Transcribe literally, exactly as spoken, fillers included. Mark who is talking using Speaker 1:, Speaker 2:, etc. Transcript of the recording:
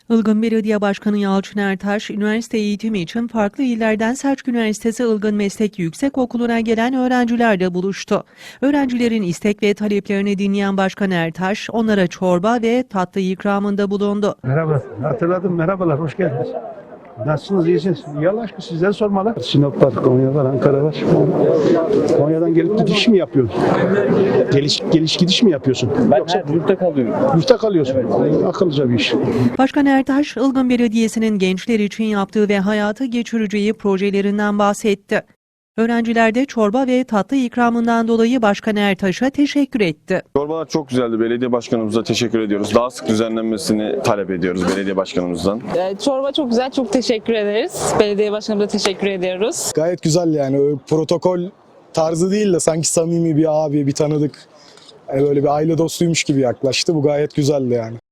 Speaker 1: Ilgın Belediye Başkanı Yalçın Ertaş, üniversite eğitimi için farklı illerden Selçuk Üniversitesi Ilgın Meslek Yüksekokulu'na gelen öğrencilerle buluştu. Öğrencilerin istek ve taleplerini dinleyen Başkan Ertaş, onlara çorba ve tatlı ikramında bulundu.
Speaker 2: Merhaba, hatırladım. Merhabalar, hoş geldiniz. Nasılsınız, iyisiniz? İyi Allah aşkına sizden sormalı. Sinop var, Konya var, Ankara var. Konya'dan gelip gidiş mi yapıyorsun? Geliş, geliş gidiş mi yapıyorsun?
Speaker 3: Ben
Speaker 2: Yoksa
Speaker 3: her yurtta kalıyorum.
Speaker 2: yurtta kalıyorsun. Evet. Akıllıca bir iş.
Speaker 1: Başkan Ertaş, Ilgın Belediyesi'nin gençler için yaptığı ve hayata geçireceği projelerinden bahsetti. Öğrenciler de çorba ve tatlı ikramından dolayı Başkan Ertaş'a teşekkür etti.
Speaker 4: Çorbalar çok güzeldi. Belediye başkanımıza teşekkür ediyoruz. Daha sık düzenlenmesini talep ediyoruz belediye başkanımızdan.
Speaker 5: Çorba çok güzel, çok teşekkür ederiz. Belediye başkanımıza teşekkür ediyoruz.
Speaker 6: Gayet güzel yani. Öyle protokol tarzı değil de sanki samimi bir abi, bir tanıdık. Yani böyle bir aile dostuymuş gibi yaklaştı. Bu gayet güzeldi yani.